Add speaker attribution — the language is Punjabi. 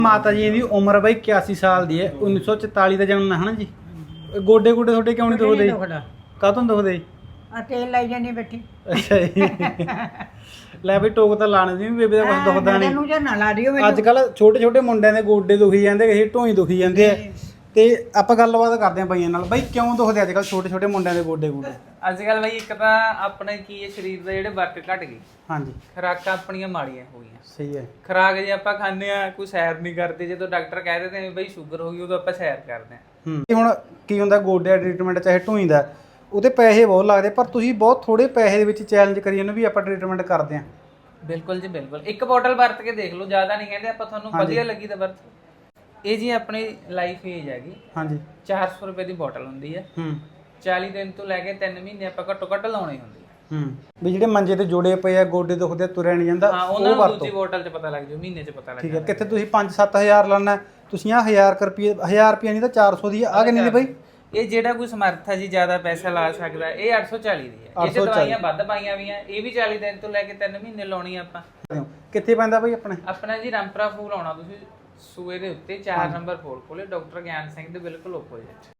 Speaker 1: ਮਾਤਾ ਜੀ ਦੀ ਉਮਰ ਬਾਈ 81 ਸਾਲ ਦੀ ਹੈ, 1944 ਦਾ ਜਨਮ ਹੈ ਹਨਾ ਜੀ। ਗੋਡੇ ਗੋਡੇ ਤੁਹਾਡੇ ਕਿਉਂ ਨਹੀਂ ਦੁਖਦੇ? ਕਾਹਤੋਂ ਦੁਖਦੇ?
Speaker 2: ਆ ਤੇਲ ਲਾਈ ਜਾਨੀ ਬੈਠੀ।
Speaker 1: ਅੱਛਾ ਜੀ। ਲੈ ਬਈ ਟੋਕ ਤਾਂ ਲਾਣੇ ਦੀ ਬੇਬੇ ਦਾ ਕੁਝ ਦੁਖਦਾ ਨਹੀਂ।
Speaker 2: ਮੈਨੂੰ ਜਾਂ ਨਾ ਲਾ ਦਿਓ
Speaker 1: ਅੱਜ ਕੱਲ ਛੋਟੇ ਛੋਟੇ ਮੁੰਡਿਆਂ ਦੇ ਗੋਡੇ ਦੁਖੀ ਜਾਂਦੇ, ਕਿਸੇ ਢੋਈ ਦੁਖੀ ਜਾਂਦੇ ਆ। ਤੇ ਆਪਾਂ ਗੱਲਬਾਤ ਕਰਦੇ ਆਂ ਬਾਈਆਂ ਨਾਲ। ਬਾਈ ਕਿਉਂ ਦੁਖਦੇ ਅੱਜ ਕੱਲ ਛੋਟੇ ਛੋਟੇ ਮੁੰਡਿਆਂ ਦੇ ਗੋਡੇ ਗੋਡੇ?
Speaker 3: ਅੱਜ ਕੱਲ ਬਾਈ ਇੱਕ ਤਾਂ ਆਪਣੇ ਕੀ ਹੈ, ਸਰੀਰ ਦੇ ਜਿਹੜੇ ਵਰਕ ਘਟ ਗਏ।
Speaker 1: ਹਾਂਜੀ,
Speaker 3: ਖੁਰਾਕਾਂ ਆਪਣੀਆਂ ਮਾੜੀਆਂ ਹੋ ਗਈਆਂ।
Speaker 1: ਸਹੀ ਹੈ।
Speaker 3: ਖੁਰਾਕ ਜੇ ਆਪਾਂ ਖਾਂਦੇ ਆ, ਕੋਈ ਸੈਰ ਨਹੀਂ ਕਰਦੇ। ਜਦੋਂ ਡਾਕਟਰ ਕਹਿ ਦਿੰਦੇ ਨੇ ਬਈ ਸ਼ੂਗਰ ਹੋ ਗਈ, ਉਦੋਂ ਆਪਾਂ ਸੈਰ ਕਰਦੇ ਆ।
Speaker 1: ਹੁਣ ਕੀ ਹੁੰਦਾ, ਗੋਡਿਆਂ ਟ੍ਰੀਟਮੈਂਟ ਚਾਹੇ ਢੋਈ ਦਾ, ਉਹਦੇ ਪੈਸੇ ਬਹੁਤ ਲੱਗਦੇ, ਪਰ ਤੁਸੀਂ ਬਹੁਤ ਥੋੜੇ ਪੈਸੇ ਦੇ ਵਿੱਚ ਚੈਲੰਜ ਕਰੀ ਜਾਂਦੇ ਵੀ ਆਪਾਂ ਟ੍ਰੀਟਮੈਂਟ ਕਰਦੇ ਆਂ।
Speaker 3: ਬਿਲਕੁਲ ਜੀ ਬਿਲਕੁਲ। ਇੱਕ ਬੋਟਲ ਵਰਤ ਕੇ ਦੇਖ ਲਓ, ਜ਼ਿਆਦਾ ਨਹੀਂ ਕਹਿੰਦੇ ਆਪਾਂ, ਤੁਹਾਨੂੰ ਵਧੀਆ ਲੱਗੀ ਤਾਂ ਵਰਤ। ਇਹ ਜੀ ਆਪਣੀ ਲਾਈਫ ਏਜ ਹੈਗੀ।
Speaker 1: ਹਾਂਜੀ,
Speaker 3: 400 ਰੁਪਏ ਦੀ ਬੋਟਲ ਹੁੰਦੀ ਹੈ। 40 ਦਿਨ ਤੋਂ ਲੈ ਕੇ 3 ਮਹੀਨੇ ਆਪਾਂ ਘੱਟੋ ਘੱਟ ਲਾਉਣੀ ਹੁੰਦੀ ਹੈ।
Speaker 1: ਵੀ ਜਿਹੜੇ ਮੰਜੇ ਤੇ ਜੋੜੇ ਪਏ ਆ, ਗੋਡੇ ਦੁਖਦੇ, ਤੁਰਿਆ ਨਹੀਂ ਜਾਂਦਾ,
Speaker 3: ਹਾਂ, ਉਹਨਾਂ ਨੂੰ ਦੂਜੀ ਬੋਟਲ 'ਚ ਪਤਾ ਲੱਗ ਜਾਊ, ਮਹੀਨੇ 'ਚ ਪਤਾ ਲੱਗ
Speaker 1: ਠੀਕ ਹੈ। ਕਿੱਥੇ ਤੁਸੀਂ 5-7 ਹਜ਼ਾਰ ਲਾਣਾ, ਤੁਸੀਂ ਆ 1000 ਰੁਪਏ ਨਹੀਂ ਤਾਂ 400 ਦੀ ਆ ਕਿੰਨੀ ਦੀ ਬਾਈ?
Speaker 3: ਇਹ ਜਿਹੜਾ ਕੋਈ ਸਮਰੱਥ ਹੈ ਜੀ, ਜ਼ਿਆਦਾ ਪੈਸਾ ਲਾ ਸਕਦਾ, ਇਹ 840 ਦੀ ਹੈ। ਇਹ 'ਚ ਦਵਾਈਆਂ ਵੱਧ ਪਾਈਆਂ ਵੀ ਆ। ਇਹ ਵੀ 40 ਦਿਨ ਤੋਂ ਲੈ ਕੇ 3 ਮਹੀਨੇ ਲਾਉਣੀ ਆਪਾਂ।
Speaker 1: ਕਿੱਥੇ ਪੈਂਦਾ ਬਾਈ ਆਪਣੇ?
Speaker 3: ਆਪਣਾ ਜੀ ਰਾਮਪੁਰਾ ਫੂਲ ਆਉਣਾ ਤੁਸੀਂ ਸੂਏ ਦੇ ਉੱਤੇ 4 ਨੰਬਰ ਫੋਲ ਕੋਲੇ, ਡਾਕਟਰ ਗਿਆਨ ਸਿੰਘ ਦੇ ਬਿਲਕੁਲ ਓਪੋਜ਼ਿਟ।